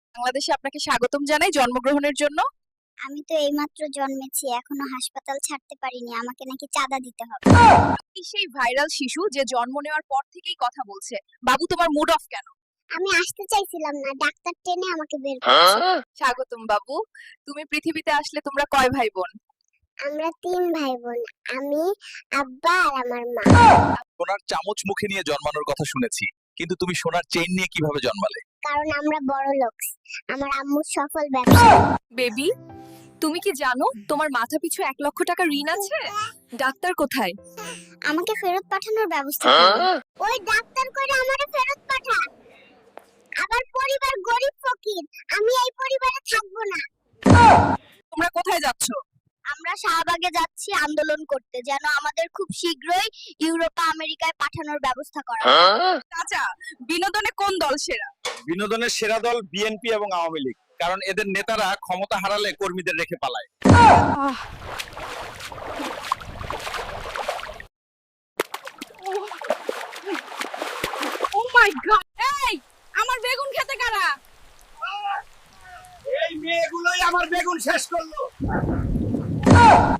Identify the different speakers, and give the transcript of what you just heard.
Speaker 1: বাংলাদেশে আপনাকে স্বাগতম জানাই জন্মগ্রহণের জন্য।
Speaker 2: আমি তো এইমাত্র জন্মেছি, এখনো হাসপাতাল ছাড়তে পারিনি, আমাকে নাকি চাঁদা দিতে হবে।
Speaker 1: এই সেই ভাইরাল শিশু যে জন্ম নেওয়ার পর থেকেই কথা বলছে। বাবু তোমার মুড অফ কেন?
Speaker 2: আমি আসতে চাইছিলাম না, ডাক্তার টেনে আমাকে বের করেছে।
Speaker 1: স্বাগতম বাবু। তুমি পৃথিবীতে আসলে তোমরা কয় ভাই বোন?
Speaker 2: আমরা 3 ভাই বোন, আমি, আব্বা আর আমার মা।
Speaker 3: সোনার চামচ মুখে নিয়ে জন্মানোর কথা শুনেছি, কিন্তু তুমি সোনার চেইন নিয়ে কিভাবে জন্মালে?
Speaker 2: কারণ আমরা বড় লোক, আমার আম্মু সফল ব্যবসা।
Speaker 1: বেবি, তুমি কি জানো তোমার মাথা পিছু 1 লক্ষ টাকা ঋণ আছে? ডাক্তার কোথায়?
Speaker 2: আমাকে ফেরত পাঠানোর ব্যবস্থা করো। ওই ডাক্তার কইরা আমারে ফেরত পাঠা। আমার পরিবার গরিব ফকির, আমি এই পরিবারে থাকবো না।
Speaker 1: তোমরা কোথায় যাচ্ছ?
Speaker 2: আমরা শাহবাগে যাচ্ছি আন্দোলন করতে, যেন আমাদের খুব শীঘ্রই ইউরোপা আমেরিকায় পাঠানোর ব্যবস্থা করা হয়।
Speaker 1: চাচা, বিনোদনে কোন দল সেরা?
Speaker 3: বিনোদনের সেরা দল বিএনপি এবং আওয়ামী লীগ, কারণ এদের নেতারা ক্ষমতা হারালে কর্মীদের রেখে পালায়।
Speaker 1: Oh my God! এই, আমার বেগুন খেতে কারা?
Speaker 3: এই মেয়েগুলোই আমার বেগুন শেষ করলো।